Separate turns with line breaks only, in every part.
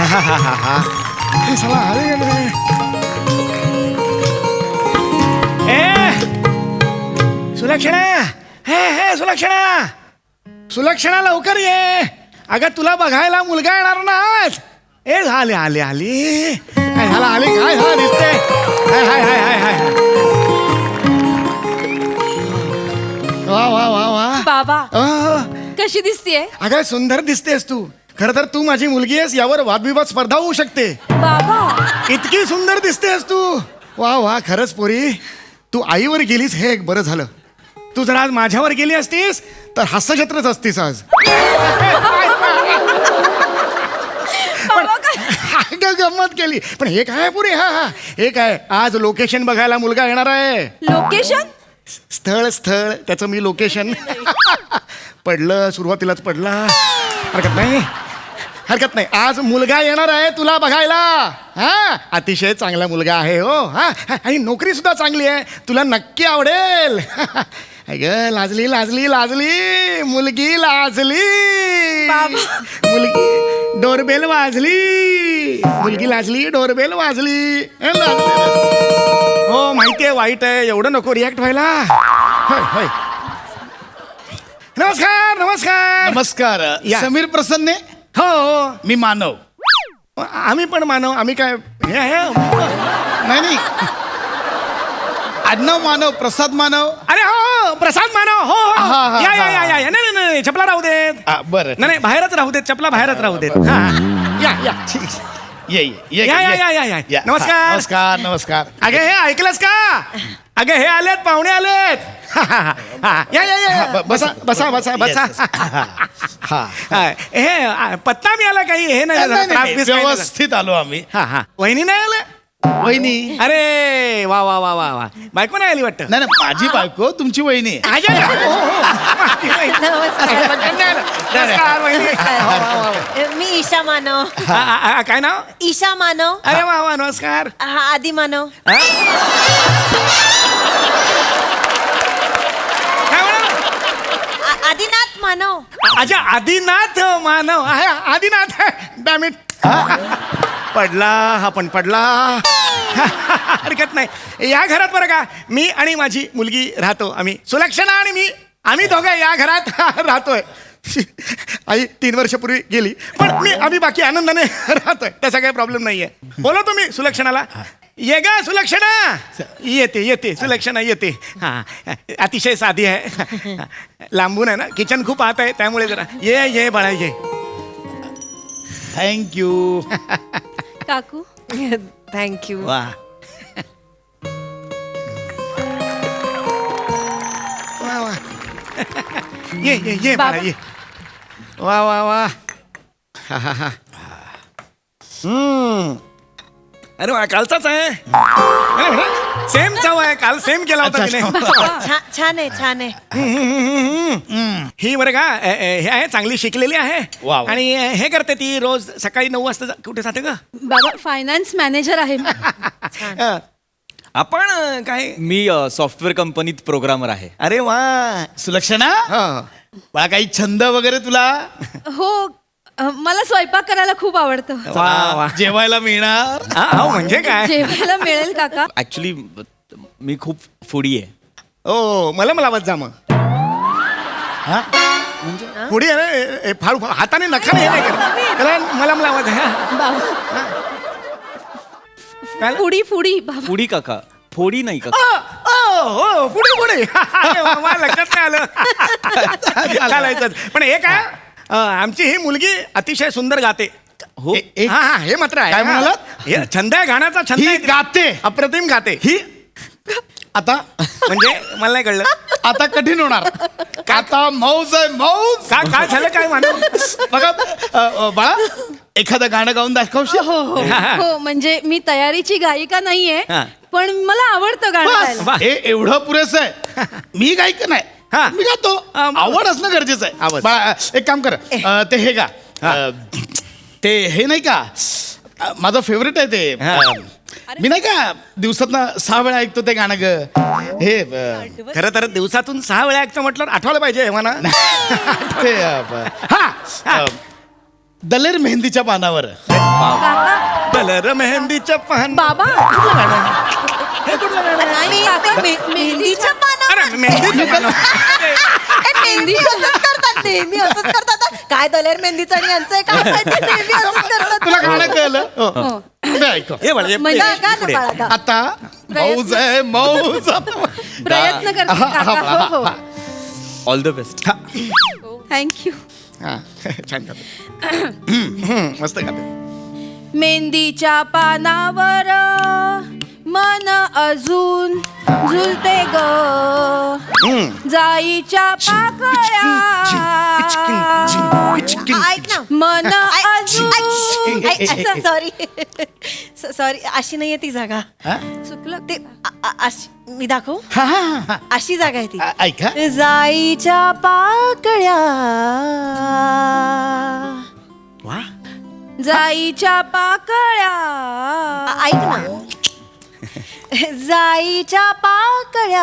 हे साला आले गेले. सुलक्षणा, हे सुलक्षणा, सुलक्षणा लवकर ये. अगं तुला बघायला मुलगा येणार ना आज. ए झाले आले आली काय झालं आली काय झालं दिसते. हाय हाय हाय हाय हाय. वा वा वा वा
बाबा कशी दिसतीये?
अगं सुंदर दिसतेस तू. खर तर तू माझी मुलगी आहेस यावर वादविवाद स्पर्धा होऊ शकते.
बाबा
इतकी सुंदर दिसतेस तू. वा वा खरंच पोरी तू आईवर गेलीस हे एक बरं झालं. तू जर आज माझ्यावर गेली असतीस तर हास्यछत्रच असतीस आज. अगं गंमत केली पण हे काय पुरे. हा हा हे काय आज लोकेशन बघायला मुलगा येणार आहे.
लोकेशन?
स्थळ स्थळ त्याचं मी लोकेशन पडलं सुरुवातीलाच पडला. हरकत नाही हरकत नाही. आज मुलगा येणार आहे तुला बघायला. हा अतिशय चांगला मुलगा आहे हो. हा आणि नोकरी सुद्धा चांगली आहे. तुला नक्की आवडेल. अगं लाजली लाजली लाजली मुलगी लाजली. मुलगी डोरबेल वाजली. मुलगी लाजली डोरबेल वाजली. हो माहितीये वाईट आहे एवढं नको रिॲक्ट व्हायला. होय होय. नमस्कार नमस्कार
नमस्कार.
या.
समीर प्रसन्ने.
हो हो
मी मानव.
आम्ही पण मानव. आम्ही काय हे आहे.
नाही नाही आडनाव मानव प्रसाद मानव.
अरे हो प्रसाद मानव. हो
हा,
हो
हा,
या या
हा.
या या या. नाही नाही चपला राहू देत.
बरं
नाही नाही बाहेरच राहू देत. चपला बाहेरच राहू देत. हा या या ठीक.
ये ये
या, या, या, या, या. नमस्कार.
नमस्कार नमस्कार.
अगे हे ऐकलंस का. अगे हे आलेत पाहुणे आलेत. या या या बसा बसा बसा बसा. हे पत्ता मिळाला काही हे नाही
नाही,
त्रास
नाही,
बीस काही नाही.
व्यवस्थित आलो आम्ही.
हा हा वहिनी नाही आलं.
वहिनी.
अरे वा वा वा वा वा बायको नाही आली वाटतं.
नाही नाही माझी बायको तुमची वहिनी.
आजा, हो, हो. माझी वहिनी. नमस्कार, वहिनी. वा, वा, वा.
मी ईशा मानव.
काय नाव.
ईशा मानव.
अरे वा वा नमस्कार.
हा आदी मानव.
हा? काय म्हणा.
आदिनाथ मानव.
अच्छा आदिनाथ मानव आहे. आदिनाथ डॅमिट. पडला हा पण पडला. हरकत नाही. या घरात बरं का मी आणि माझी मुलगी राहतो. आम्ही सुलक्षणा आणि मी आम्ही दोघं या घरात राहतोय. आई 3 वर्षापूर्वी गेली पण आम्ही बाकी आनंदाने राहतोय. त्याचा काही प्रॉब्लेम नाहीये. बोला तुम्ही सुलक्षणाला. ये गा सुलक्षणा. येते येते सुलक्षणा येते. हा अतिशय साधी आहे. लांबून आहे ना किचन खूप आत आहे त्यामुळे जरा ये ये बाळा ये.
थँक्यू.
काकू थँक्यू.
वा वा वा. ये ये ये बाळा ये. वा वा वा. हा हा हा. अरे वा कालचाच आहे. सेम चव आहे. काल सेम केला होता तिने.
छान आहे छान आहे.
ही बरं का हे आहे चांगली शिकलेली आहे.
वा, वा.
आणि हे करते ती रोज सकाळी 9 वाजता कुठे जाते का.
बाबा फायनान्स मॅनेजर आहे.
आपण काय.
मी सॉफ्टवेअर कंपनीत प्रोग्रामर आहे.
अरे वा.
सुलक्षणा
हा.
मला काही छंद वगैरे तुला.
हो मला स्वयंपाक करायला खूप आवडतं.
वा वा.
जेवायला मिळणार.
हा म्हणजे काय.
जेवायला मिळेल काका.
ऍक्च्युली मी खूप फूडी आहे.
ओ मला लावत जा मग.
हा?
पुढे फार हाताने नखाने हे नाही करत. त्याला मला लावत आहे.
बाबा
काय?
फुडी फुडी बाबा.
फुडी काका फोडी नाही काका.
हो पुढे पुढे. मला लक्षात नाही आलं. चालायचं पण हे काय आमची ही मुलगी अतिशय सुंदर गाते.
हो
हा हा हे मात्र आहे.
काय म्हणालात?
हे छंद आहे गाण्याचा छंद
ही
आहे.
गाते.
अप्रतिम गाते ही.
आता
म्हणजे मला नाही कळलं.
आता कठीण होणार. आता मौज आहे मौज.
काय झालं काय म्हणून.
बघा बाळा एखादं गाणं गाऊन दाखवशील.
हो हो हो म्हणजे मी तयारीची गायिका नाहीये
हा.
पण मला आवडतं गाणं
बस
गायला.
वा.
हे एवढं पुरेसं आहे. मी गायक नाही.
हा.
मी गातो. आवड असणं गरजेचं आहे.
आवड.
बाळा एक काम कर ते हे गा ते हे नाही का माझं फेवरेट आहे ते. मी नाही का दिवसातनं 6 वेळा ऐकतो ते गाणं ग. हे
खरं तर दिवसातून 6 वेळा ऐकतं म्हटलं आठवायला पाहिजे हे म्हणा.
ते हा दलेर मेहंदीच्या पानावर.
कलर मेहंदीच्या पान
बाबा
कुठलं गाणं? हे कुठलं गाणं?
मेहंदीच्या
अरे मेहंदीचं पान.
मेहंदी असंच करतात नेहमी असंच करतात काय दलेर मेहंदीचं आणि यांचं आहे काय माहिती, नेहमी असंच करतात.
तुला गाणं कळलं?
हो.
ते ऐक.
हे बघ, हे
म्हणजे
पुढे,
गा ना
पुढे.
बाळा, गा.
आता मौज आहे मौज.
प्रयत्न करते काका. हो हो
ऑल द बेस्ट.
थँक्यू.
हा, छान गाते. मस्त गाते.
मेहंदीच्या पानावर मन अजून झुलते ग, जाईच्या पाकळ्या
ऐक ना
मन अजून
सॉरी अशी नाहीये ती जागा
चुकलं
ते मी दाखवू
हा, हा, हा.
अशी जागा आहे ती
ऐक हा.
जाईच्या पाकळ्या
वा
जाईच्या पाकळ्या
ऐक ना जाईच्या पाकळ्या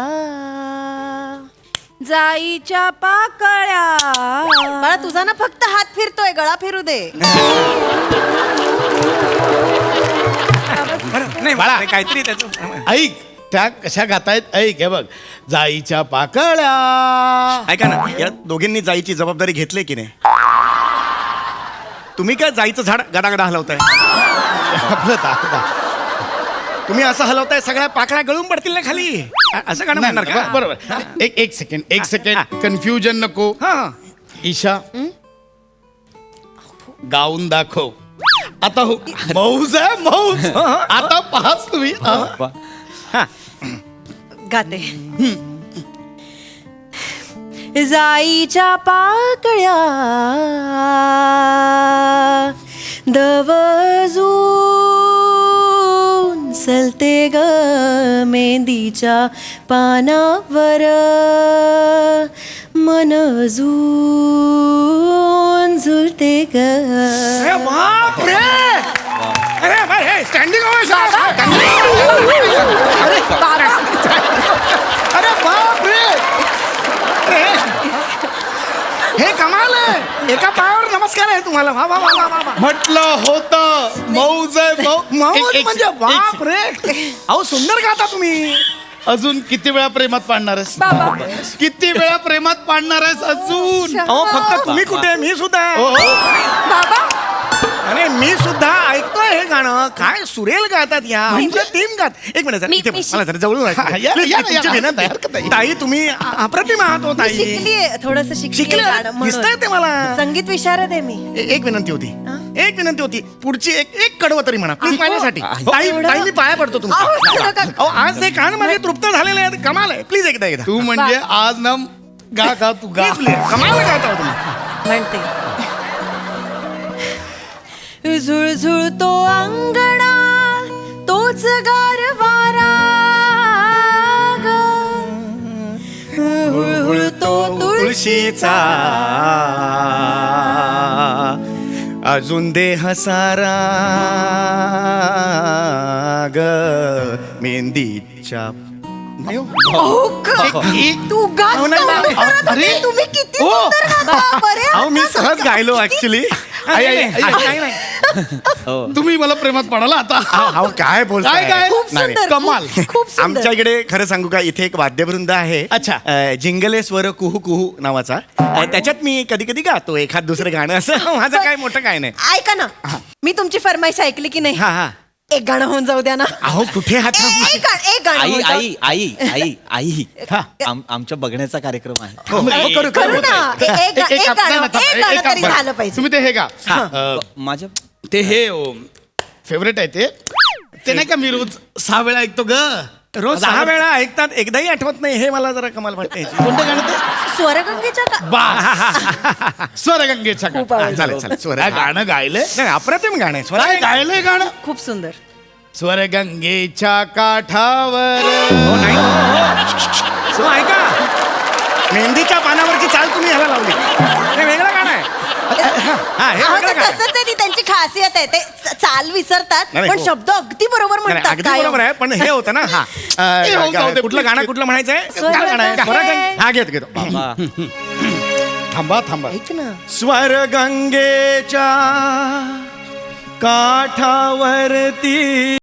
जाईच्या पाकळ्या.
बाळा तुझा ना फक्त हात फिरतोय गळा फिरू दे
बरं, नाही
बाळा.
बाळा काहीतरी त्याचं
ऐक त्या कशा गातायत ऐक. हे बघ जाईच्या पाकळ्या.
ऐका ना या दोघींनी जायची जबाबदारी घेतली की नाही? तुम्ही काय जायचं झाड गडागडा हलवताय?
आपलं दाखवा.
तुम्ही असं हलवताय सगळ्या पाकळ्या गळून पडतील ना खाली. असं गाणं
नाही,
म्हणणार
नाही,
का?
बरोबर. एक सेकंड कन्फ्युजन नको.
हा
ईशा गाऊन दाखव आता. हो मौज आहे मौज. आता पाहाच तुम्ही.
हा.
गाते जाईच्या पाकळ्या दवजून सलते ग मेहंदीच्या पानावर मन अजून झुलते ग
अरे बाप रे! अरे बाय स्टँडिंग अरे बाप रे! अरे, हे कमाल आहे. एका पायावर नमस्कार आहे तुम्हाला. वा वा वा वा वा वा.
म्हटलं होतं मौज आहे
मौज म्हणजे बाप रे! अहो सुंदर गाता तुम्ही.
अजून किती वेळा प्रेमात पाडणार आहेस?
बाबा
किती वेळा प्रेमात पाडणार आहेस अजून?
अहो फक्त तुम्ही कुठे मी सुद्धा आहे.
हो, हो.
बाबा
अरे मी सुद्धा ऐकतोय हे गाणं. काय सुरेल गातात या टीम गात. एक मिनिट जरा, इथे बस. मला जरा जवळून ऐकू
हा,
दे.
या,
Please,
या,
तुमची
या,
विनंती.
हरकत नाही.
ताई तुम्ही अप्रतिम आहात हो ताई.
शिकलीये थोडस
शिकले दिसतंय ते मला.
संगीत विशारद आहे मी
एक विनंती होती. एक विनंती होती. पुढची एक कडवं तरी म्हणा प्लीज माझ्यासाठी. ताई
एवढं?
ताई मी पाया पडतो
अहो,
तुमच्या.
नका.
अहो आज ते कान माझे तृप्त झालेले आहेत. कमाल आहे. प्लीज एकदा
तू म्हणजे आज ना गा तू गा.
कमाल गाता हो तुम्ही.
म्हणते झुळझुळतो अंगणा तोच गारवारा ग. हुळहुळतो
तुळशीचा अजून देह सारा ग मेहंदीच्या नाही हो.
तू गात
अहो, नाही,
का
नाही.
करत होते?
अरे.
तुम्ही किती
हो.
सुंदर गाता. बरे
अहो मी
आता
सहज
सध्या.
गायलो ऍक्च्युली.
तुम्ही मला प्रेमात पडाला आता.
अहो काय बोलताय?
काय, काय?
खूप
नाही,
सुंदर
कमाल.
खूप सुंदर
आमच्या इकडे खरं सांगू का इथे एक वाद्यवृंद आहे.
अच्छा.
जिंगलेश्वर कुहू कुहू नावाचा. त्याच्यात मी कधी कधी गातो एखाद दुसरं गाणं. असं माझं काय मोठं काय नाही.
ऐका ना मी तुमची फरमाईश ऐकली की नाही
हा हा.
एक गाणं होऊन जाऊ द्या ना
अहो कुठे हात
एक गाणं
आई
होऊन जाऊ-
आई आई आई आई आमच्या बघण्याचा कार्यक्रम आहे.
हो, करू
करू ना एक
एक
गाणं
काम- नाही, नाही,
एक गाणं तरी
बरं.
झालं पाहिजे
तुम्ही ते हे गा.
माझ्या
ते हे फेवरेट आहे ते नाही का मी रोज 6 वेळा ऐकतो ग.
रोज 6 वेळा ऐकतात एकदाही आठवत नाही. हे मला जरा कमाल वाटते.
कोणतं गाणं ते?
स्वरगंगेच्या
बा स्वरगंगेच्या
खूप आवडलं.
चालेल चालेल स्वर
काय गाणं गायलंय?
नाही अप्रतिम गाणं आहे. स्वर
काय गायलंय गाणं?
खूप सुंदर
स्वरगंगेच्या काठावर.
हो नाही सो ऐका मेहंदीच्या पानावरची चाल तुम्ही ह्याला लावली. हे वेगळं गाणं आहे. हा हे
अहो,
वेगळं
ते
गाणं आहे.
तसंच आहे ती त्यांची खासियत आहे ते चाल विसरतात
नाही,
पण
हो.
शब्द अगदी बरोबर
नाही,
म्हणतात
अगदी
काय
बरोबर आहे पण हे होतं ना हा
हे होऊन जाऊ दे,
कुठलं
please,
गाणं
please.
कुठलं म्हणायचंय
स्वरगंगे.
स्वरगंगे. हा घेतो
बाबा
थांबा थांबा.
ऐक ना.
स्वर गंगेच्या काठावरती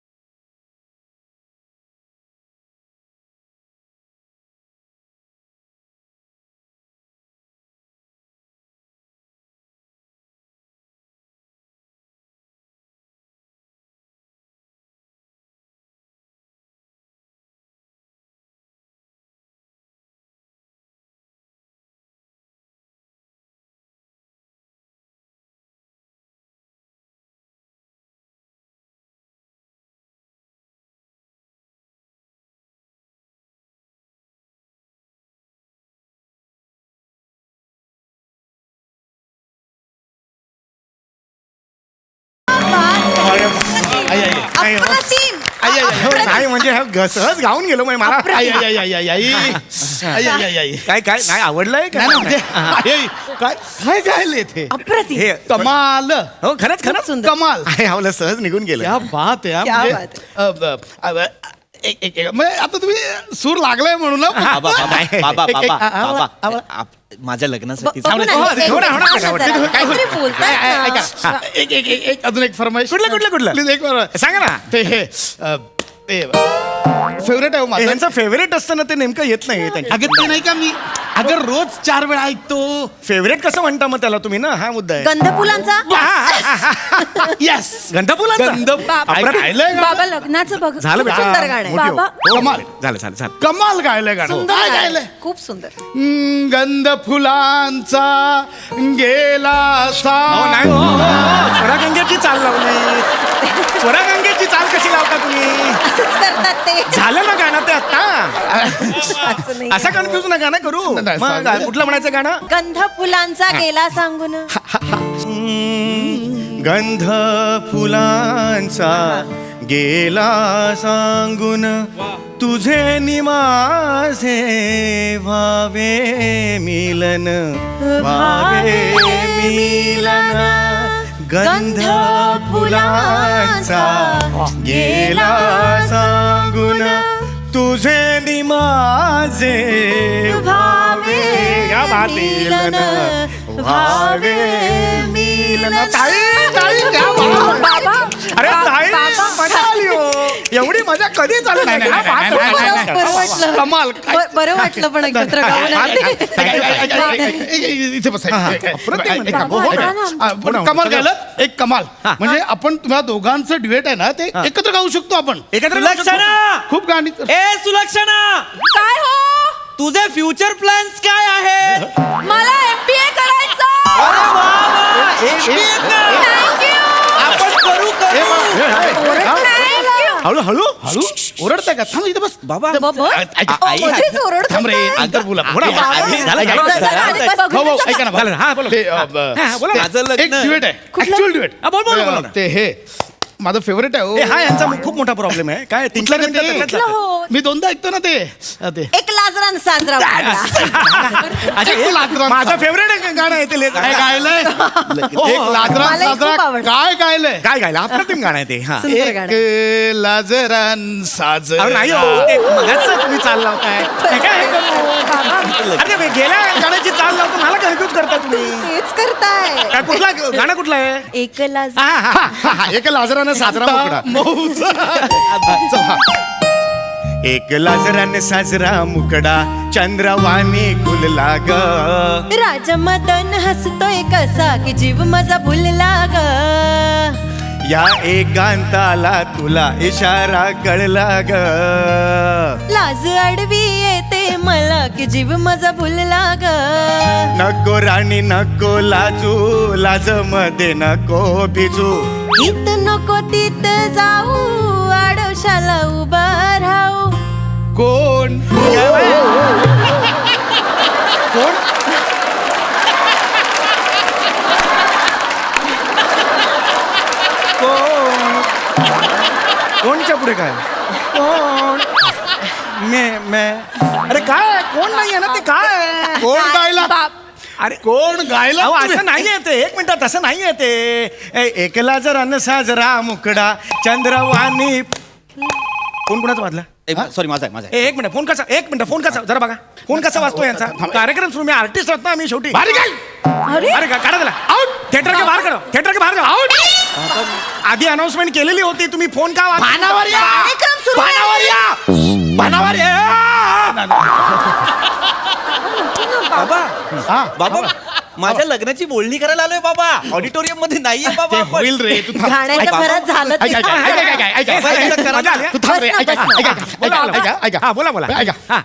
आई, आई, आई.
अप्रतिम.
आई, आई, आई.
हो, नाही म्हणजे हा सहज गाऊन गेलो म्हणजे मला
आई, आई, आई, आई, आई, आई. आई, आई, आई, आई.
काय काय नाही आवडलंय
नाही, नाही, म्हणजे
का
आई, आई, काय काय गायले ते
अप्रतिम.
हे
कमाल
हो खरंच खरंच
सुंदर.
कमाल.
आहे आवलं सहज निघून गेलं
क्या बात आहे हा.
क्या
म्हणजे,
बात
म्हणजे आता तुम्ही सूर लागलाय म्हणून ना.
बाबा बाबा बाबा
एक- एक-
बाबा
आवा-
बाबा
आवा.
माझ्या लग्नासाठी
बघू ना,
हो,
हे-
थोडा, थोडा,
हे-
थोडा,
जरा.
थोडा.
काहीतरी बोलताय ना.
ऐका एक अजून एक फरमाईश.
कुठलं?
प्लीज एक फरमाईश.
सांगा ना
ते हे ते फेवरेट आहे हो माझं.
यांचं फेवरेट असतं ना ते नेमकं येत नाही
अगं ते नाही का मी अगं रोज 4 वेळा ऐकतो.
फेवरेट कसं म्हणता मग त्याला तुम्ही ना हा मुद्दा आहे
गंधफुलांचा.
येस
गंधाफुलांचा?
गंध
अप्रतिम.
गायलंय गाणं.
बाबा लग्नाचं बघ.
झालं बेटा
सुंदर गाणं आहे.
मोठी हो.
बाबा.
हो,
कमाल.
झालं
कमाल गायलंय गाणं.
सुंदर
काय
गाणं
गायलंय?
आहे. खूप सुंदर.
गंध फुलांचा गेला सा.
हो नाही हो स्वरागंगेची चाल लावली स्वरागंगेची चाल कशी लावता तुम्ही
असंच करतात ते.
झालं ना गाणं ते आता
असं नाही.
असा कन्फ्युज नका ना करू
नाही,
मग
सांगा.
कुठलं म्हणायचं गाणं
गंध फुलांचा गेला सांगून.
गंध फुलांचा गेला सांगून तुझे निमाझे व्हावे मिलन व्हावे मिलन गंध फुलांचा गेला सांगून तुझे निमाझे व्हावे या बात मिलन व्हावे मिलन ताई क्या बात.
बाबा.
अरे ताई मजा आली हो एवढी मजा कधी चालू नाही
बरं वाटलं.
कमाल.
बरं वाटलं पण एकत्र गाऊन
इथे बस
अप्रतिम म्हणता. हो, हो.
कमाल गायलं एक कमाल. म्हणजे आपण तुम्हाला दोघांचं ड्युएट आहे ना ते एकत्र गाऊ शकतो आपण.
एकत्र
सुलक्षणा
खूप गाणी
ए सुलक्षणा
काय हो
तुझे फ्युचर प्लॅन्स काय आहे
मला MBA करायचं. Thank you.
आपण करू
हळू हळू
हळू ओरडताय का थांब इथे बस
बाबा
आई
मध्येच ओरडतोस
थांब रे
काय?
नंतर बोला
बोला, बोला.
आधी झालं,
झालं,
झालं,
झालं.
झालं.
हो हो ऐका ना
झालं, हा, बोला.
ते,
हा, बोला ना.
माझं लग्न.
एक ड्युएट आहे ऍक्च्युअल ड्युएट
हा, बोल, बोल, बोल ना.
ते हे माझं फेवरेट आहे
ए,
हो.
हा यांचा खूप मोठा प्रॉब्लेम आहे काय तीन चार मिनिटं त्याच्यात जातात.
हो.
मी दोनदा ऐकतो ना ते ते
एक लाजरान साजरा
अच्छा,
एक लाजरान
माझं फेवरेट गाणं आहे ते
काय गायलंय एक लाजरान
मलाही खूप
साजरा
आवडतं.
काय गायलंय
काय गायला अप्रतिम गाणं आहे ते हा
सुंदर गाणं.
एक लाजरान साजरा.
अहो, नाही हो ते मगाच तुम्ही चाल लावताय हे काय हे करू? अरे ते गेल्या गाण्याची चाल लावतो मला कन्फ्युज करता तुम्ही
तेच करताय.
काय कुठला गाणं कुठलं आहे
एक लाज.
हा, हा, हा, हा, एक लाजरानं साजरा मुकडा
मौजा.
एक लाजराने साजरा मुकडा चंद्रवाणी खुलला ग
राजमदन हसतोय कसा की जीव माझा भुलला ग.
या एकांताला तुला इशारा कळला ग
लाज अडवी येते मला की जीव माझा भुलला ग.
नको राणी नको लाजू लाज मध्ये नको भिजू
इत नको तीत जाऊ आडोशाला उभा राहू.
कोण
कोण कोणच्या पुढे काय कोण मे अरे काय कोण नाही आहे ना ते काय
कोण गायला
अरे
कोण गायला
अहो असं नाही येते एक मिनिटात असं नाही येते एकला जर अन्न साजरा मुकडा चंद्रवाणी कोण कोणाचा वाजला
सॉरी माझा आहे.
एक मिनिट फोन कसा जरा बघा फोन कसा वाजतो यांचा कार्यक्रम सुरू मी आर्टिस्ट आहोत ना आम्ही शेवटी
बारी काय
अरे काढा त्याला आउट थिएटर के बाहेर जाओ आउट आधी अनाउन्समेंट केलेली होती तुम्ही फोन का
भानावर या
कार्यक्रम सुरू आहे.
भानावर या
बाबा बाबा माझ्या लग्नाची बोलणी करायला आलोय बाबा ऑडिटोरियम मध्ये नाहीये बाबा आपण.
होईल रे तू थांब.
गाण्याच्या भरात झालं ते.
तू थांब रे ऐका
बोला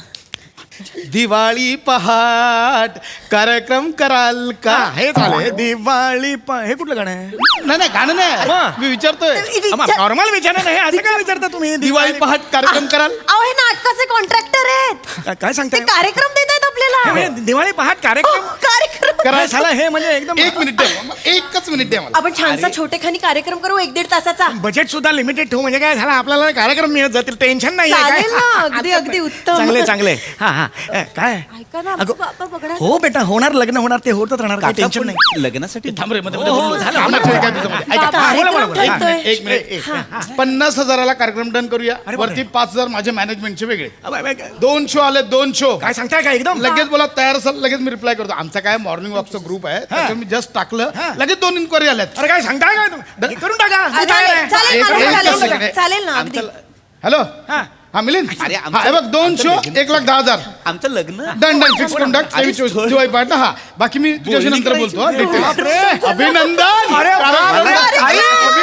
दिवाळी पहाट कार्यक्रम कराल का
हे झालं दिवाळी हे कुठलं गाणं आहे
नाही गाणं नाही
मग?
मी विचारतोय
नॉर्मल विचारा नाही असं काय विचारता तुम्ही
दिवाळी पहाट कार्यक्रम कराल
अहो हे नाटकाचे कॉन्ट्रॅक्टर आहेत
काय
ते
सांगताय
कार्यक्रम देत आहेत आपल्याला
हे दिवाळी पहाट
हो,
कार्यक्रम
कार्यक्रम
करा
झाला हे म्हणजे एकदम
एक मिनिट द्या एकच मिनिट द्या मला
आपण छानसा छोटेखानी कार्यक्रम करू 1-1.5 तासाचा
बजेट सुद्धा लिमिटेड ठेवू म्हणजे काय झालं आपल्याला कार्यक्रम मिळत जातील टेन्शन नाही
चालेल ना अगदी उत्तम
चांगले हा काय
ऐका ना
अगं,
आमचं बाबा बघणार
हो बेटा होणार लग्न होणार ते होतच राहणार काही
काका,
टेन्शन
पण
नाही
लग्नासाठी
थांब रे मध्ये
हो, झालं,
थांब ना,
होणार.
काय तुझं मध्ये. ऐका.
बोला, बोला, बोला.
कार्यक्रम ठरतोय.
एक मिनिट 50,000ला कार्यक्रम डन करूया
अरे बापरे.
वरती 5,000 माझे मॅनेजमेंटचे वेगळे
अबे,
2 शो आले 2 शो
काय सांगताय का एकदम
लगेच बोला तयार असेल लगेच मी रिप्लाय करतो आमचा काय मॉर्निंग वॉकचा ग्रुप आहे त्याच्यावर मी जस्ट टाकलं
हा.
लगेच 2 इन्क्वायरी आल्यात
अरे काय सांगताय काय तुम्ही करून टाका मी तयार
चालेल
आहे.
चालेल
एक-
मला
एकच
चालेल.
second.
चालेल ना अगदी
हॅलो
हा.
हा मिलिंद
अरे,
हा हे बघ 2 शो 1,10,000
आमचं लग्न
डन फिक्स करून टाक
अरे,
दिवाळी पाठ हा बाकी मी तुझ्याशी नंतर बोलतो हा, details.
बापरे.
अभिनंदन
अरे,
अरे,
अरे,
अरे,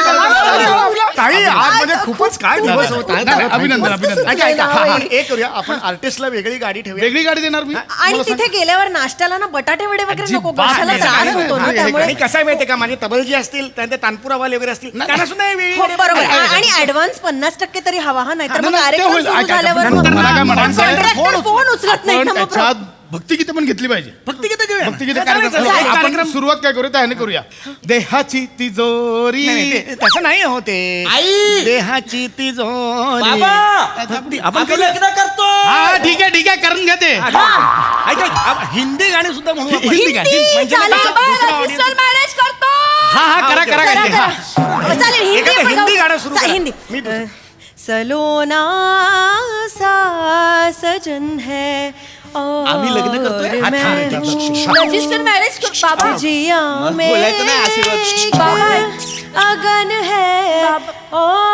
ताई आज म्हणजे खूपच काय दिवस होत आहेत.
नाही, अभिनंदन अभिनंदन
ऐका, ऐका.
हा, हा.
एक करूया आपण आर्टिस्टला वेगळी गाडी ठेवूया
वेगळी गाडी देणार मी
आणि
मला सांग.
तिथे गेल्यावर नाश्त्याला ना बटाटे वडे वगैरे नको
अजिबात
कशाला
नाही,
त्रास
नाही,
होतो ना
नाही,
त्यामुळे
आणि कसं आहे माहितीये का माझे तबलजी असतील त्यांचे तानपुरावाले वगैरे असतील त्यांना सुद्धा हे वेगळी
हो
गाडी
बरोबर
ठेवूया.
आणि ऍडव्हान्स 50% तरी हवा हा नाहीतर मग
नाही, नाही, ते
कार्यक्रम
होईल.
सुरू
ऐका,
झाल्यावर
नंतर
मग-
मला काय म्हणायचं आहे?
Contractor फोन उचलत नाही
पण
ना मग
त्याच्यात भक्तिगीतं पण घेतली पाहिजे
भक्तिगीतं घेऊया.
भक्तिगीतं
चालेल,
कार्यक्रम
चालेल. एक
आपण
कार्यक्रम
सुरुवात काय करूया त्याने करूया देहाची तिजोरी
नाही, नाही, ते- तसं नाही होते
आई!
देहाची तिजोरी
बाबा!
आपण
आम्ही
करूया.
लग्न करतो
हा ठीक आहे करून घ्या ते
ऐका हिंदी गाणी सुद्धा म्हणू आपण.
हिंदी गाणी.
म्हणजे
चालेल.
कसं
बाबा,
दुसरं audience-
मॅरेज करतो
हा करा
ओके.
करा
करा,
काय ते, हा.
करा. चालेल हिंदी
एखादं
आपण
हिंदी
गाऊ.
गाणं सुरू करा.
हिंदी
मी दुसरं.
सलोना सा सजन है और
आम्ही लग्न करतोय?
मैं हूँ
रजिस्टर मॅरेज बाबा
जिया
मग
में
बोलायचं नाही, आशीर्वाद.
अगन है और